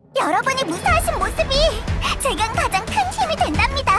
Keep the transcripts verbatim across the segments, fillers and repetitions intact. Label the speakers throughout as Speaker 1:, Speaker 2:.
Speaker 1: 여러분이 무사하신 모습이 제겐 가장 큰 힘이 된답니다.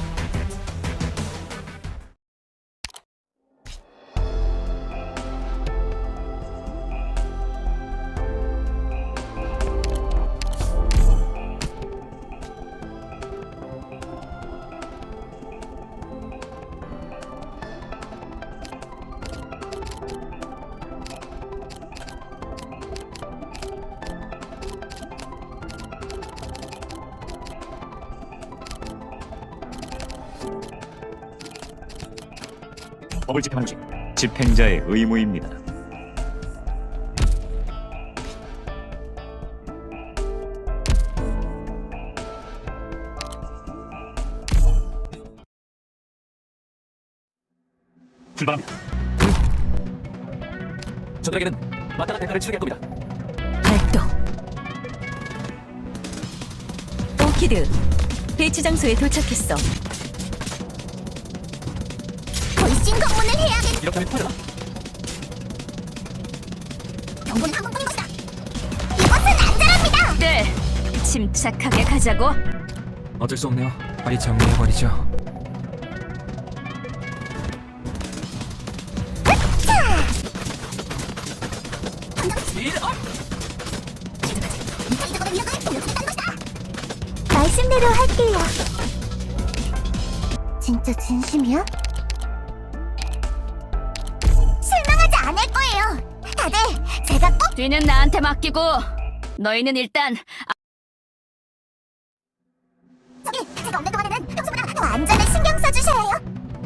Speaker 2: 법을 집행하는 것이 집행자의 의무입니다. 출발합니다. 저들에게는 마땅한 대가를 치르게 할 겁니다.
Speaker 3: 발동. 오키드, 배치 장소에 도착했어.
Speaker 1: 돌싱 검문을 해야겠.
Speaker 2: 이렇게 하면 터져나?
Speaker 1: 경고는 한번 본 것이다. 이곳은 안전합니다.
Speaker 3: 네, 침착하게 가자고.
Speaker 4: 어쩔 수 없네요. 빨리 정리해버리죠.
Speaker 1: 말씀대로 할게요. 진짜 진심이야? 실망하지 않을 거예요. 다들 제가 꼭
Speaker 3: 뒤는 나한테 맡기고 너희는 일단
Speaker 1: 저기 제가 없는 동안에는 평소보다 더 안전에 신경 써주셔야 해요.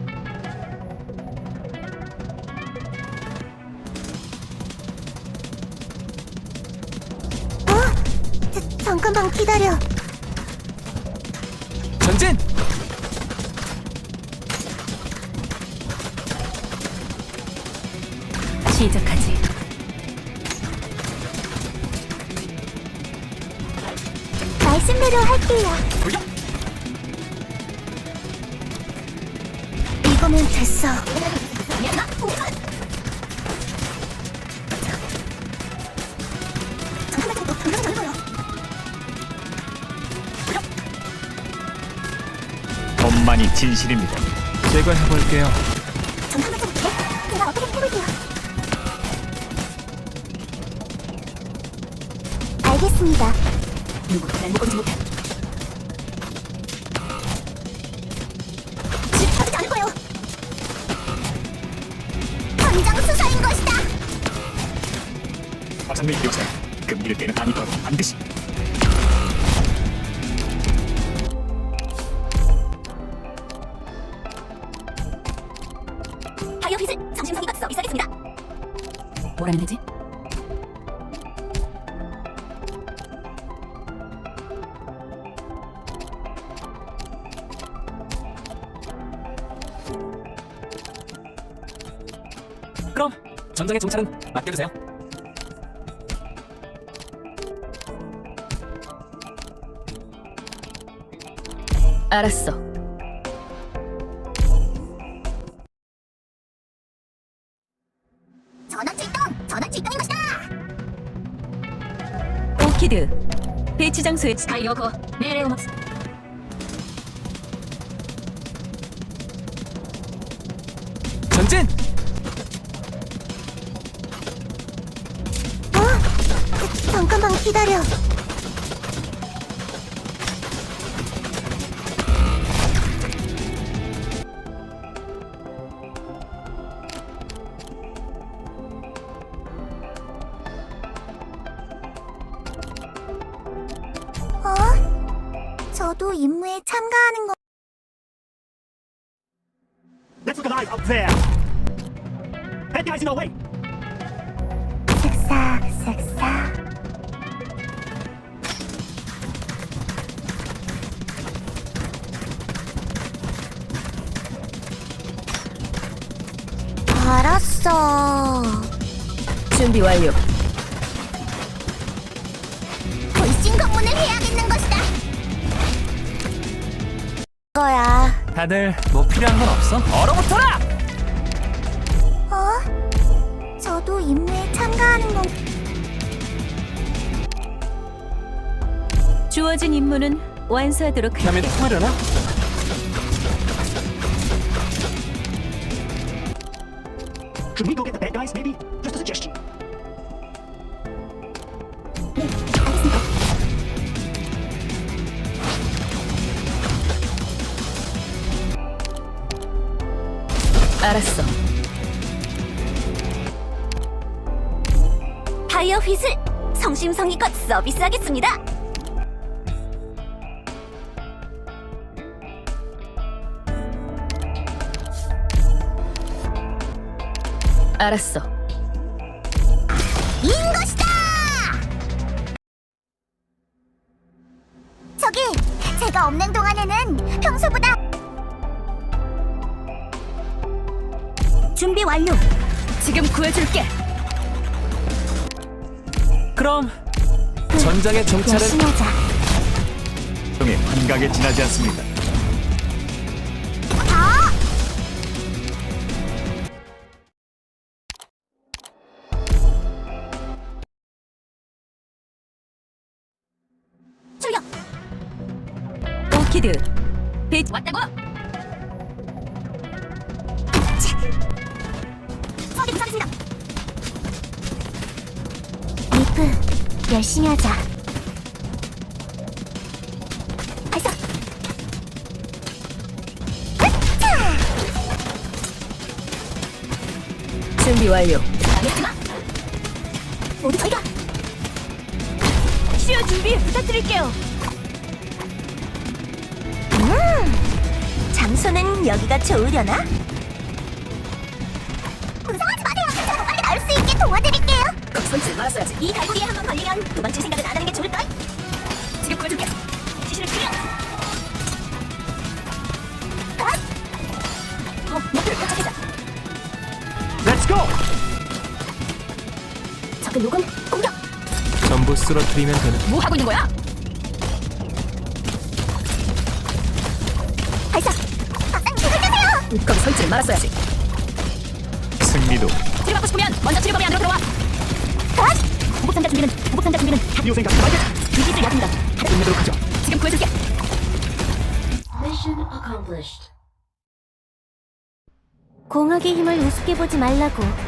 Speaker 1: 어? 저, 잠깐만 기다려.
Speaker 4: 전진!
Speaker 3: 시작하지.
Speaker 1: 말씀대로 할게요.
Speaker 2: 돌려!
Speaker 1: 이거면 됐어.
Speaker 2: 법만이 진실입니다.
Speaker 4: 제가 해볼게요.
Speaker 1: 잠깐만 좀 볼게. 제가 어떻게 해볼게요. 알겠습니다.
Speaker 3: 누구도 날 먹지 못해.
Speaker 1: 집 받지 않을 거예요. 당장 수사인 것이다.
Speaker 2: 박상민 교사, 금기를 깨는 아니더 반드시.
Speaker 1: 하이어 핏을 정신상의각서 이사겠습니다.
Speaker 3: 뭐라는 거지?
Speaker 4: 그럼 전장의 정찰은 맡겨주세요.
Speaker 3: 알았어.
Speaker 1: 전원 출동! 전원 출동인 것이다!
Speaker 3: 오키드, 배치 장소에 아이오고 메레오마스.
Speaker 4: 전진!
Speaker 1: 어? 잠깐만 기다려. 어? 저도 임무에 참가하는 거.
Speaker 2: Let's look alive up there. Bad guys in our way.
Speaker 1: 쓱싹 쓱싹. 알았어.
Speaker 3: 준비 완료.
Speaker 1: 돌싱 검문을 해야겠는 것이다. 거야.
Speaker 4: 다들 뭐 필요한 건 없어? 얼어붙어라!
Speaker 1: 어? 저도 임무에 참가하는 건.
Speaker 3: 주어진 임무는 완수하도록
Speaker 4: 다음엔
Speaker 3: 할게.
Speaker 4: 통하려나?
Speaker 2: Should we go get the bad guys, maybe? Just a suggestion.
Speaker 3: 알았어.
Speaker 1: 타이어 휘슬 성심성의껏 서비스하겠습니다.
Speaker 3: 알았어.
Speaker 1: 인 것이다. 저기 제가 없는 동안에는 평소보다 준비 완료.
Speaker 3: 지금 구해줄게.
Speaker 4: 그럼 전장의 정찰은
Speaker 1: 열심히 하자.
Speaker 2: 형이 한가게 지나지 않습니다.
Speaker 1: 더 출격.
Speaker 3: 오키드. 배 왔다고?
Speaker 1: 서비스 하겠습니다. 리프 열심히 하자. 발사. 으차!
Speaker 3: 준비 완료.
Speaker 1: 알겠지마. 모두 저희가
Speaker 3: 치료 준비 부탁드릴게요.
Speaker 1: 음, 장소는 여기가 좋으려나? 무서워하지 마세요. 제가 빨리 나올 수 있게 도와드릴게요.
Speaker 3: 손질 말았어야지.
Speaker 1: 이 갈고리에 한번 걸리면 도망칠 생각은 안 하는 게 좋을걸?
Speaker 3: 지금 구해줄게.
Speaker 1: 지시를 클리어.
Speaker 3: 어, 목표를 포착했다.
Speaker 2: Let's go!
Speaker 1: 적은 요금 공격.
Speaker 4: 전부 쓰러뜨리면 되는.
Speaker 3: 뭐 하고 있는 거야?
Speaker 1: 발사. 박사님 힘을 주세요.
Speaker 3: 거기 손질 말았어야지.
Speaker 2: 승리도
Speaker 3: 치료받고 싶으면 먼저 치료범위 안으로 들어와.
Speaker 1: 보복상자 준비는 보복상자 준비는
Speaker 2: 이호 생각 말게.
Speaker 1: 위기를 야습니다.
Speaker 4: 끝내도록 하죠.
Speaker 3: 지금 구해줄게.
Speaker 1: 공학의 힘을 우습게 보지 말라고.